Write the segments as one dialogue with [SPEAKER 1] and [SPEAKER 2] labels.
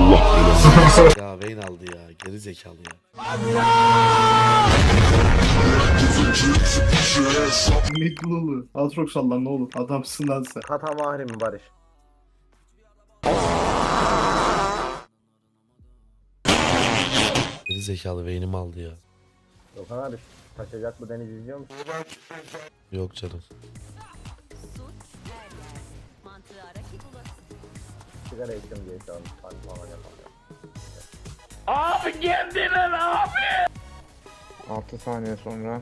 [SPEAKER 1] Ya Vayne aldı ya. Geri zekalı ya.
[SPEAKER 2] Miklulu. Aatrox Allah ne olur. Adamsın lan sen.
[SPEAKER 3] Kata mahri mi Barış?
[SPEAKER 1] Geri zekalı Vayne'imi aldı ya.
[SPEAKER 3] Gökhan abi taşacak mı deniz izliyor musun?
[SPEAKER 1] Yok canım.
[SPEAKER 3] Sigara içiyorum diye şu an kalp falan yapamıyorum.
[SPEAKER 4] 6 saniye sonra.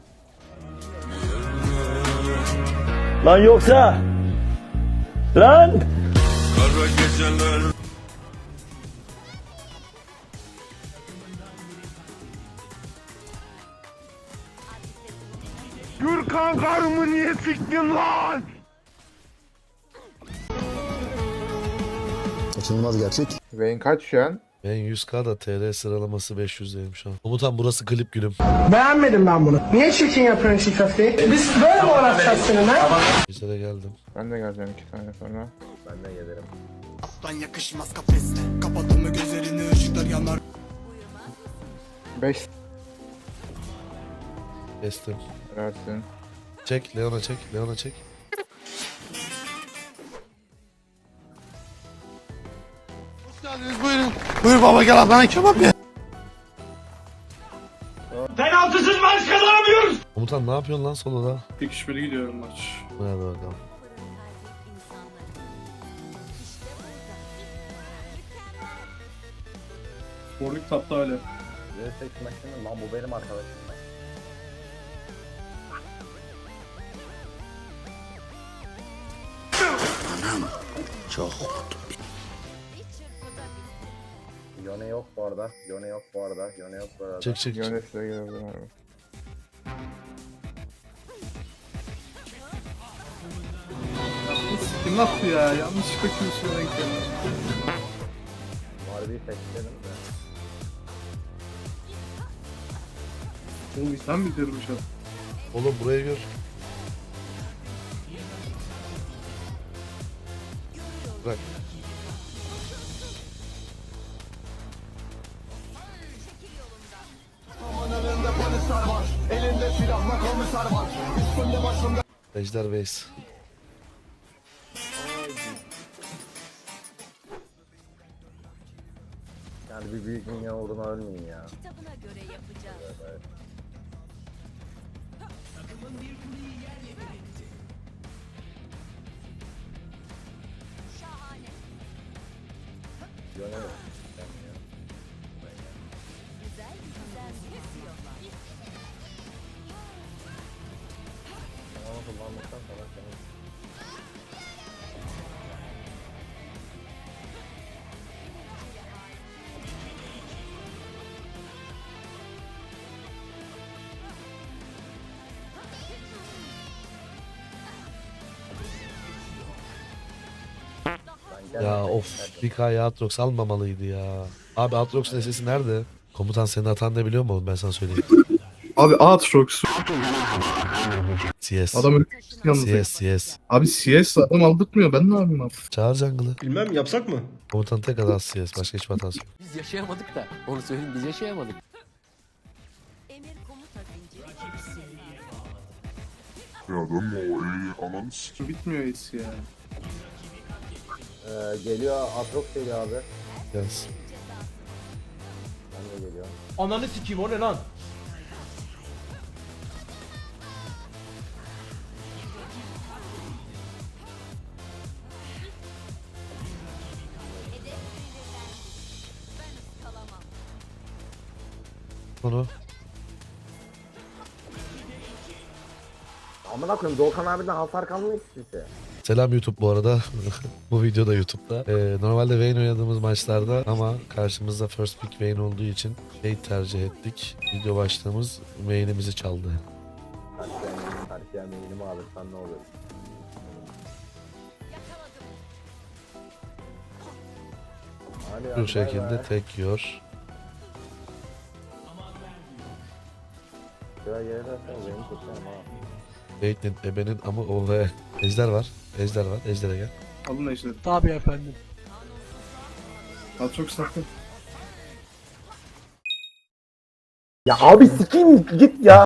[SPEAKER 5] Lan yoksa lan
[SPEAKER 4] Gürkan karımı niye siktin lan?
[SPEAKER 6] Kaçınılmaz gerçek.
[SPEAKER 4] Vayne kaç şu an?
[SPEAKER 1] Ben 100k da TR sıralaması 500'deyim şu an. Komutan burası klip gülüm.
[SPEAKER 7] Beğenmedim ben bunu. Niye çirkin yapıyorsun şu köfteyi? Biz böyle mi uğraşacağız seninle?
[SPEAKER 1] Bizlere geldim.
[SPEAKER 4] Ben de geleceğim 2 saniye sonra.
[SPEAKER 3] Ben de gelirim.
[SPEAKER 6] Aslan yakışmaz kafeste. Kapattın mı gözlerini ışıklar yanar.
[SPEAKER 4] 5
[SPEAKER 1] Kestim.
[SPEAKER 4] versin.
[SPEAKER 1] Çek Leon'a çek. Leon'a çek. Hoş geldiniz buyurun. Buyur baba gel Adana kebap ye.
[SPEAKER 5] penaltısız maç kazanamıyoruz.
[SPEAKER 1] Komutan ne yapıyorsun lan soloda?
[SPEAKER 2] Bir kişi biri gidiyorum maç.
[SPEAKER 1] Hadi bakalım.
[SPEAKER 2] Warwick tapta hala.
[SPEAKER 3] Yüksek maçını lan bu benim arkadaşım.
[SPEAKER 6] Çok.
[SPEAKER 3] Yone yok bu arada. Yone yok bu arada. Yone yok bu arada.
[SPEAKER 1] Çek çek çek.
[SPEAKER 4] Yönet size gelebilir abi.
[SPEAKER 2] Kim attı ya? Yanlışlıkla kimseye denk geldi.
[SPEAKER 3] Harbiyi seçelim de.
[SPEAKER 2] Oğlum sen bitirmiş adam.
[SPEAKER 1] Oğlum buraya gör. Bırak. Ejder Base.
[SPEAKER 3] Yani bir büyük minyon uğruna ölmeyin ya.
[SPEAKER 8] Kitabına göre yapacağız.
[SPEAKER 3] Evet.
[SPEAKER 8] Şahane.
[SPEAKER 3] Yone yok.
[SPEAKER 8] Güzel güzel sürüyorlar.
[SPEAKER 3] Onu kullandıktan sonra senin
[SPEAKER 1] Ya of. Bir K'ya Aatrox almamalıydı ya. Abi Aatrox'un sesi nerede? Komutan senin hatan ne biliyor musun? Ben sana söyleyeyim.
[SPEAKER 2] Abi Aatrox.
[SPEAKER 1] CS.
[SPEAKER 2] Adam öyle yalnız.
[SPEAKER 1] CS.
[SPEAKER 2] Abi CS adam aldırtmıyor. Ben ne yapayım abi?
[SPEAKER 1] Çağır jungle'ı.
[SPEAKER 5] Bilmem yapsak mı?
[SPEAKER 1] Komutan tek hatası CS. Başka hiçbir hatası yok.
[SPEAKER 9] Biz yaşayamadık da onu söyleyeyim biz yaşayamadık.
[SPEAKER 8] Emir komuta zinciri.
[SPEAKER 2] Bitmiyor hiç ya.
[SPEAKER 3] geliyor. Atrox geliyor abi.
[SPEAKER 1] Yes.
[SPEAKER 3] Ben de geliyorum.
[SPEAKER 5] Ananı sikeyim o ne lan?
[SPEAKER 1] Onu.
[SPEAKER 3] Amına koyayım Doğukan abiden hasar kalmıyor ki size.
[SPEAKER 1] Selam YouTube bu arada. Bu video da YouTube'da. Normalde Vayne oynadığımız maçlarda ama karşımızda first pick Vayne olduğu için tercih ettik. Video başlığımız Vayne'imizi çaldı.
[SPEAKER 3] Karşıya meynimi alırsan ne olur? Hadi
[SPEAKER 1] Bu şekilde tek yiyor.
[SPEAKER 3] Şuraya yere dersen benim tutacağım ha.
[SPEAKER 1] Vayne'in ebenin ama o ve ejder var. Ejder var. Ejder'e gel.
[SPEAKER 2] Alın ejderi.
[SPEAKER 7] Tabii efendim.
[SPEAKER 2] Aatrox sakın.
[SPEAKER 3] Ya abi sikeyim git ya.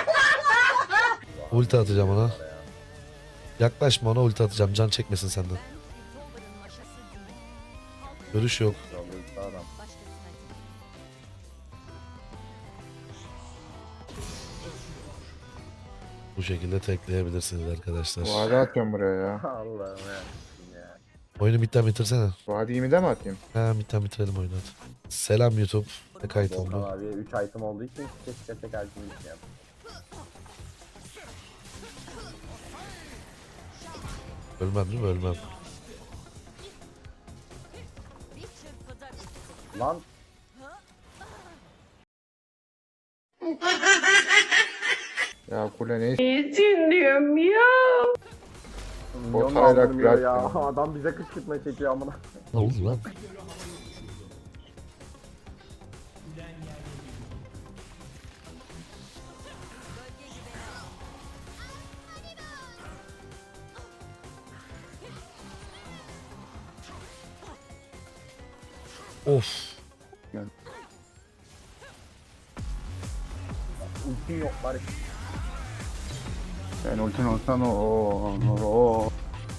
[SPEAKER 1] Ulti atacağım ona. Yaklaşma ona, ulti atacağım. Can çekmesin senden.
[SPEAKER 8] Tombarın maşası değil.
[SPEAKER 1] Görüş yok.
[SPEAKER 3] Adam.
[SPEAKER 8] Başkasına değil.
[SPEAKER 1] Bu şekilde tekleyebilirsiniz arkadaşlar.
[SPEAKER 4] Vade atıyorum buraya ya.
[SPEAKER 3] Allah'ım ya.
[SPEAKER 1] Oyunu bitten bitirsene.
[SPEAKER 4] Vadeyi mi de mi atayım?
[SPEAKER 1] Ha, bitten bitirelim oyunu hadi. Selam YouTube. Ne kayıt
[SPEAKER 3] Volkan
[SPEAKER 1] oldu?
[SPEAKER 3] abi 3 item olduğu için keşke tek item gitmeyelim.
[SPEAKER 1] Ölmem değil mi? Ölmem.
[SPEAKER 8] Bir çırpıda bitti.
[SPEAKER 3] Lan
[SPEAKER 4] Ya kule ne
[SPEAKER 3] milyon
[SPEAKER 4] hayrak
[SPEAKER 3] aldırmıyor ya.
[SPEAKER 4] bırak ya.
[SPEAKER 3] Adam bize kışkırtma çekiyor amına.
[SPEAKER 1] Ne oldu lan? Of.
[SPEAKER 3] Ultim yok bari.
[SPEAKER 4] Sen ultin olsan o.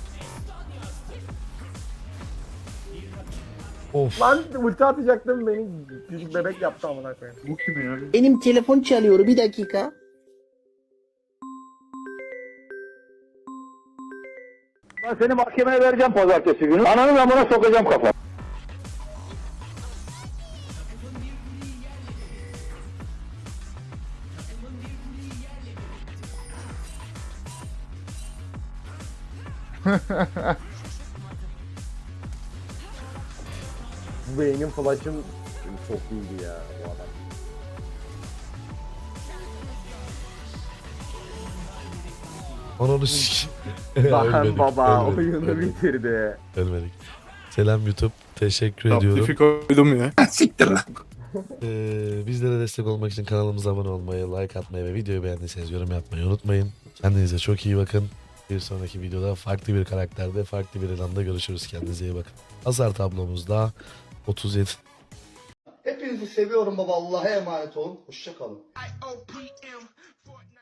[SPEAKER 1] Of.
[SPEAKER 3] Lan ulti atacaktım beni küçük bebek yaptı amına koyayım.
[SPEAKER 2] Bu kim ya?
[SPEAKER 7] Benim telefon çalıyor bir dakika.
[SPEAKER 5] Ben seni mahkemeye vereceğim pazartesi günü. Ananın amına sokacağım kafa.
[SPEAKER 3] Bu beynin flash'ın çok iyiydi ya bu adam.
[SPEAKER 1] Ananı sikeyim.
[SPEAKER 3] Lan
[SPEAKER 1] Ölmedik,
[SPEAKER 3] baba
[SPEAKER 1] ölmedik,
[SPEAKER 3] oyunu
[SPEAKER 1] ölmedik,
[SPEAKER 3] bitirdi.
[SPEAKER 1] ölmedik. Selam YouTube. Teşekkür ediyorum.
[SPEAKER 2] Taptifi koydum ya.
[SPEAKER 1] Bizlere destek olmak için kanalımıza abone olmayı, like atmayı ve videoyu beğendiyseniz yorum yapmayı unutmayın. Kendinize çok iyi bakın. Bir sonraki videoda farklı bir karakterde, farklı bir ilanda görüşürüz. Kendinize iyi bakın. Hasar tablomuzda 37.
[SPEAKER 7] Hepinizi seviyorum baba. Allah'a emanet olun. Hoşça kalın.